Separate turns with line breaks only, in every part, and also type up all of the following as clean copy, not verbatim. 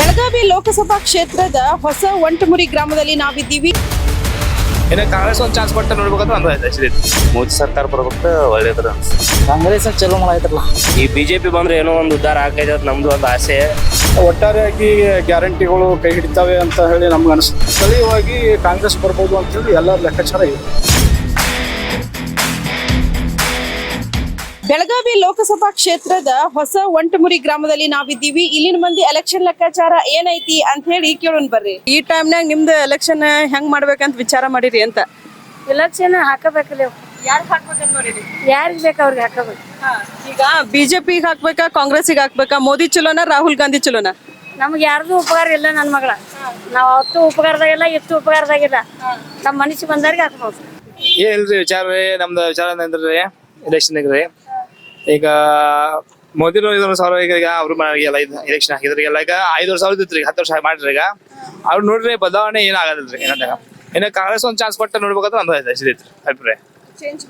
ಬೆಳಗಾವಿ ಲೋಕಸಭಾ ಕ್ಷೇತ್ರದ ಹೊಸ ಒಂಟಮುರಿ ಗ್ರಾಮದಲ್ಲಿ ನಾವಿದ್ದೀವಿ.
ಇನ್ನು ಕಾಂಗ್ರೆಸ್ ಒಂದು ಚಾನ್ಸ್ ಕೊಟ್ಟು ನೋಡ್ಬೇಕಂತ ಒಂದು ಆಯ್ತು.
ಮೋದಿ ಸರ್ಕಾರ ಬರ್ಬೇಕು ಒಳ್ಳೇದ್ರ
ಕಾಂಗ್ರೆಸ್ ಚಲೋ ಮಾಡೈತ್ರಲ್ಲ.
ಈ ಬಿಜೆಪಿ ಬಂದ್ರೆ ಏನೋ ಒಂದು ಉದ್ಧಾರ ಆಗೈತೆ ಅಂತ ನಮ್ದು ಒಂದು ಆಸೆ.
ಒಟ್ಟಾರೆಯಾಗಿ ಗ್ಯಾರಂಟಿಗಳು ಕೈ ಹಿಡಿತಾವೆ ಅಂತ ಹೇಳಿ ನಮ್ಗೆ ಅನಿಸುತ್ತೆ. ಸ್ಥಳೀಯವಾಗಿ ಕಾಂಗ್ರೆಸ್ ಬರ್ಬೋದು ಅಂತ ಹೇಳಿ ಎಲ್ಲರ ಲೆಕ್ಕಾಚಾರ ಇದೆ.
ಬೆಳಗಾವಿ ಲೋಕಸಭಾ ಕ್ಷೇತ್ರದ ಹೊಸ ಒಂಟಮುರಿ ಗ್ರಾಮದಲ್ಲಿ ನಾವಿದ್ದೀವಿ. ಇಲ್ಲಿನ ಮಂದಿ ಎಲೆಕ್ಷನ್ ಲೆಕ್ಕಾಚಾರ ಏನೈತಿ ಅಂತ ಹೇಳಿ ಕೇಳೋಣ ಬರ್ರಿ. ಈ ಟೈಮ್ನಾಗ ನಿಮ್ದು ಎಲೆಕ್ಷನ್ ಹೆಂಗ್ ಮಾಡ್ಬೇಕಂತ ವಿಚಾರ ಮಾಡಿರಿ ಅಂತ.
ಎಲೆಕ್ಷನ್ ಹಾಕಬೇಕಲ್ಲ.
ಯಾರು ಹಾಕ್ಬೇಕಂತ ನೋಡಿರಿ?
ಯಾರಿಗೆ ಬೇಕು ಅವ್ರಿಗೆ ಹಾಕಬೇಕು.
ಈಗ ಬಿಜೆಪಿಗೆ ಹಾಕ್ಬೇಕಾ ಕಾಂಗ್ರೆಸ್ಗೆ ಹಾಕ್ಬೇಕಾ? ಮೋದಿ ಚಲೋನಾ ರಾಹುಲ್ ಗಾಂಧಿ ಚಲೋನಾ?
ನಮ್ಗೆ ಯಾರ್ದು ಉಪಕಾರ ಇಲ್ಲ ನನ್ನ ಮಗಳ. ನಾವು ಅವತ್ತು ಉಪಕಾರದಾಗಿಲ್ಲ ಇತ್ತು ಉಪಕಾರದಾಗಿಲ್ಲ. ನಮ್ಮ ಮನಸ್ಸಿಗೆ ಬಂದವ್ರಿಗೆ ಹಾಕ್ಬೋದು.
ಏನಿಲ್ರಿ ವಿಚಾರ ರೀ, ನಮ್ದು ವಿಚಾರ ಅಂದ್ರೆ ಎಲೆಕ್ಷನ್ ರೀ. ಈಗ ಮೋದಿನೂ 5,000 ಈಗ ಅವ್ರು ಎಲ್ಲ ಎಲೆಕ್ಷನ್ ಹಾಕಿದ್ರಿ. ಎಲ್ಲ ಈಗ 5,000 ಇತ್ತು, 10 ವರ್ಷ ಮಾಡ್ರಿ. ಈಗ ಅವ್ರು ನೋಡ್ರಿ ಬದಲಾವಣೆ ಏನಾಗದಿಲ್ರಿ. ಏನಂತ ಇನ್ನು ಕಾಂಗ್ರೆಸ್ ಒಂದು ಚಾನ್ಸ್ ಕೊಟ್ಟು ನೋಡ್ಬೇಕಂತ ಒಂದು ಐತ್ರಿ ಅಭಿಪ್ರಾಯ. ಚೇಂಜ್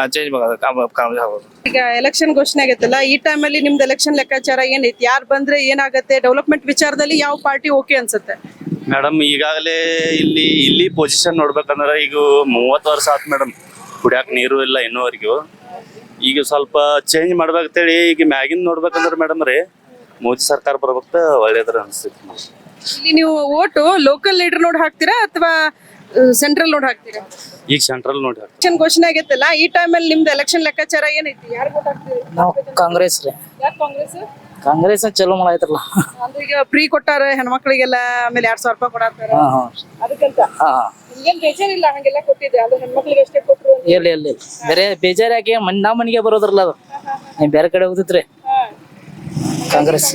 ಈಗ ಎಲೆಕ್ಷನ್ ಘೋಷಣೆ ಆಗೈತಲ್ಲ, ಈ ಟೈಮಲ್ಲಿ ನಿಮ್ದು ಎಲೆಕ್ಷನ್ ಲೆಕ್ಕಾಚಾರ ಏನೈತಿ? ಯಾರು ಬಂದ್ರೆ ಏನಾಗತ್ತೆ? ಡೆವಲಪ್ಮೆಂಟ್ ವಿಚಾರದಲ್ಲಿ ಯಾವ ಪಾರ್ಟಿ ಓಕೆ ಅನ್ಸುತ್ತೆ?
ಮೇಡಮ್ ಈಗಾಗಲೇ ಇಲ್ಲಿ ಪೊಸಿಷನ್ ನೋಡ್ಬೇಕಂದ್ರೆ ಈಗ 30 ವರ್ಷ ಆತ್ ಮೇಡಮ್. ಕುಡಿಯಾಕ ನೀರು ಇಲ್ಲ ಇನ್ನೂವರೆಗೂ. ಈಗ ಸ್ವಲ್ಪ ಚೇಂಜ್ ಮಾಡ್ಬೇಕಂತೇಳಿ ಈಗ ಮ್ಯಾಗಿನ್ ನೋಡ್ಬೇಕಂದ್ರೆ ಮೇಡಮ್ ರೀ ಮೋದಿ ಸರ್ಕಾರ ಬರ್ಬೇಕು ಒಳ್ಳೇದ್ರ ಅನ್ಸ್ತೈತಿ.
ಇಲ್ಲಿ ನೀವು ಓಟು ಲೋಕಲ್ ಲೀಡರ್ ನೋಡಿ ಹಾಕ್ತೀರಾ ಅಥವಾ ಸೆಂಟ್ರಲ್ ನೋಡಿ ಹಾಕ್ತೀರಾ?
ಈಗ ಸೆಂಟ್ರಲ್ ನೋಡಿ
ಎಲೆಕ್ಷನ್ ಘೋಷಣೆ ಆಗೈತಲ್ಲ, ಈ ಟೈಮಲ್ಲಿ ನಿಮ್ದು ಎಲೆಕ್ಷನ್ ಲೆಕ್ಕಾಚಾರ ಏನೈತಿ? ಯಾರು ವೋಟ್ ಹಾಕ್ತೀರಿ?
ನಾವು ಕಾಂಗ್ರೆಸ್ ರೀ.
ಯಾಕೆ ಕಾಂಗ್ರೆಸ್?
ಕಾಂಗ್ರೆಸ್ ಚಲೋ ಮಾಡೈತ್ರಲ್ಲ.
ಅಂದ್ರೆ ಈಗ ಫ್ರೀ ಕೊಟ್ಟಾರ ಹೆಣ್ಮಕ್ಳಿಗೆಲ್ಲ, ಆಮೇಲೆ 2,000 ರೂಪಾಯಿ ಕೊಡಾತಾರ. ಅದಕ್ಕಂತ ಏನ್ ಬೇಜಾರಿಲ್ಲ ಹಂಗೆಲ್ಲ ಕೊಟ್ಟಿದ್ದೆ, ಅದು ಹೆಣ್ಮಕ್ಳಿಗೆ ಅಷ್ಟೇ ಕೊಟ್ರು?
ಎಲ್ಲಿ ಬೇರೆ ಬೇಜಾರಾಗಿ ನಮ್ಮ ಮನೆಗೆ ಬರೋದ್ರಲ್ಲ ಅದು. ಬೇರೆ ಕಡೆ ಹೋಗ್ತಿತ್ರಿ ಕಾಂಗ್ರೆಸ್.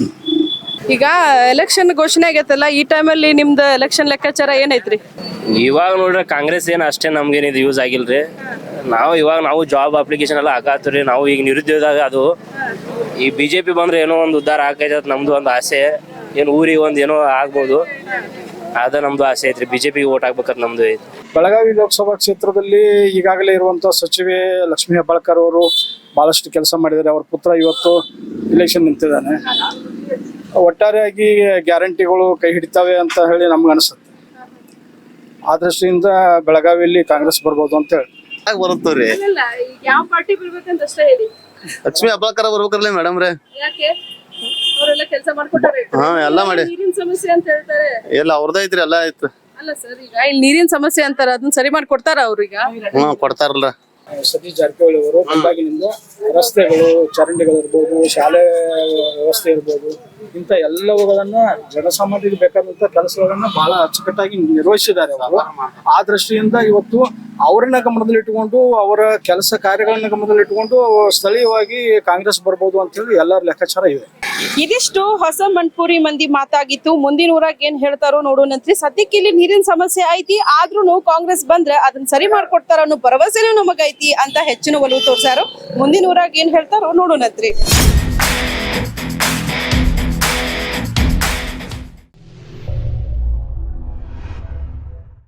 ಈಗ ಎಲೆಕ್ಷನ್ ಘೋಷಣೆ ಆಗೈತಲ್ಲ, ಈ ಟೈಮಲ್ಲಿ ನಿಮ್ದು ಎಲೆಕ್ಷನ್ ಲೆಕ್ಕಾಚಾರ ಏನೈತ್ರಿ?
ಇವಾಗ ನೋಡ್ರಿ ಕಾಂಗ್ರೆಸ್ ಏನು ಅಷ್ಟೇ ನಮ್ಗೇನಿದು ಯೂಸ್ ಆಗಿಲ್ರಿ. ನಾವು ಜಾಬ್ ಅಪ್ಲಿಕೇಶನ್ ಎಲ್ಲ ಹಾಕಾತ್ರಿ. ನಾವು ಈಗ ನಿರುದ್ಯೋಗ ಅದು. ಈ ಬಿಜೆಪಿ ಬಂದ್ರೆ ಏನೋ ಒಂದು ಉದ್ಧಾರ ಆಗೈತೆ ಅಂತ ನಮ್ದು ಒಂದು ಆಸೆ. ಏನು ಊರಿಗೆ ಒಂದು ಏನೋ ಆಗ್ಬೋದು, ಅದ ನಮ್ದು ಆಸೆ ಐತ್ರಿ. ಬಿಜೆಪಿಗೆ ಓಟ್ ಹಾಕ್ಬೇಕಂತ ನಮ್ದು ಐತಿ.
ಬೆಳಗಾವಿ ಲೋಕಸಭಾ ಕ್ಷೇತ್ರದಲ್ಲಿ ಈಗಾಗಲೇ ಇರುವಂತ ಸಚಿವೆ ಲಕ್ಷ್ಮೀ ಹೆಬ್ಬಾಳ್ಕರ್ ಅವರು ಬಹಳಷ್ಟು ಕೆಲಸ ಮಾಡಿದ್ದಾರೆ. ಅವ್ರ ಪುತ್ರ ಇವತ್ತು ಇಲೆಕ್ಷನ್ ನಿಂತಿದ್ದಾನೆ. ಒಟ್ಟಾರೆಯಾಗಿ ಗ್ಯಾರಂಟಿಗಳು ಕೈ ಹಿಡಿತಾವೆ ಅಂತ ಹೇಳಿ ನಮ್ಗೆ ಅನಿಸುತ್ತೆ. ಆ ದೃಷ್ಟಿಯಿಂದ ಬೆಳಗಾವಿಯಲ್ಲಿ ಕಾಂಗ್ರೆಸ್ ಬರ್ಬೋದು ಅಂತ ಹೇಳಿ
ಬರುತ್ತವ್ರಿ.
ಯಾವ ಪಾರ್ಟಿ ಬರ್ಬೇಕಂತ ಅಷ್ಟೇ ಹೇಳಿ.
ಲಕ್ಷ್ಮೀ ಹೆಬ್ಬಾಳ್ಕರ್ ಬರ್ಬೇಕಲ್ಲ ಮೇಡಮ್ ರೀ.
ಯಾಕೆ? ಅವರೆಲ್ಲ ಕೆಲಸ ಮಾಡ್ಕೊಟ್ಟಾರೆ.
ಎಲ್ಲ ಮಾಡಿ
ನೀರಿನ ಸಮಸ್ಯೆ ಅಂತ ಹೇಳ್ತಾರೆ.
ಎಲ್ಲ ಅವ್ರದ್ದು ಐತ್ರಿ, ಎಲ್ಲ ಐತ್ರಿ.
ಅಲ್ಲ ಸರ್, ಈಗ ಇಲ್ಲಿ ನೀರಿನ ಸಮಸ್ಯೆ ಅಂತಾರ, ಅದನ್ನ ಸರಿ ಮಾಡ್ಕೊಡ್ತಾರ ಅವ್ರೀಗ?
ಕೊಡ್ತಾರಲ್ಲ.
ಸತೀಶ್ ಜಾರಕಿಹೊಳಿ ಅವರು ಬಂದಾಗಿನಿಂದ ರಸ್ತೆಗಳು, ಚರಂಡಿಗಳು ಇರ್ಬೋದು, ಶಾಲೆ ವ್ಯವಸ್ಥೆ ಇರ್ಬೋದು, ಇಂಥ ಎಲ್ಲವುಗಳನ್ನ ಜನಸಾಮಾನ್ಯರಿಗೆ ಬೇಕಾದಂತ ಕೆಲಸಗಳನ್ನ ಬಹಳ ಅಚ್ಚುಕಟ್ಟಾಗಿ ನಿರ್ವಹಿಸಿದ್ದಾರೆ ಅವರು. ಆ ದೃಷ್ಟಿಯಿಂದ ಇವತ್ತು ಅವರನ್ನ ಗಮನದಲ್ಲಿಟ್ಟುಕೊಂಡು, ಅವರ ಕೆಲಸ ಕಾರ್ಯಗಳನ್ನ ಗಮನದಲ್ಲಿಟ್ಟುಕೊಂಡು ಸ್ಥಳೀಯವಾಗಿ ಕಾಂಗ್ರೆಸ್ ಬರ್ಬೋದು ಅಂತ ಹೇಳಿ ಎಲ್ಲರ ಲೆಕ್ಕಾಚಾರ ಇದೆ.
ಇದಿಷ್ಟು ಹೊಸ ಮಂಟ್ಪುರಿ ಮಂದಿ ಮಾತಾಗಿತ್ತು. ಮುಂದಿನ ಊರಾಗ ಏನ್ ಹೇಳ್ತಾರೋ ನೋಡೋಣಂತ್ರಿ. ಸದ್ಯಕ್ಕೆ ಇಲ್ಲಿ ನೀರಿನ ಸಮಸ್ಯೆ ಐತಿ, ಆದ್ರೂ ಕಾಂಗ್ರೆಸ್ ಬಂದ್ರೆ ಅದನ್ನ ಸರಿ ಮಾಡ್ಕೊಡ್ತಾರ ಅನ್ನೋ ಭರವಸೆನೂ ನಮಗೈತಿ ಅಂತ ಹೆಚ್ಚಿನ ಒಲವು ತೋರ್ಸಾರು. ಮುಂದಿನ ಊರಾಗ ಏನ್ ಹೇಳ್ತಾರೋ ನೋಡೋಣಂತ್ರಿ.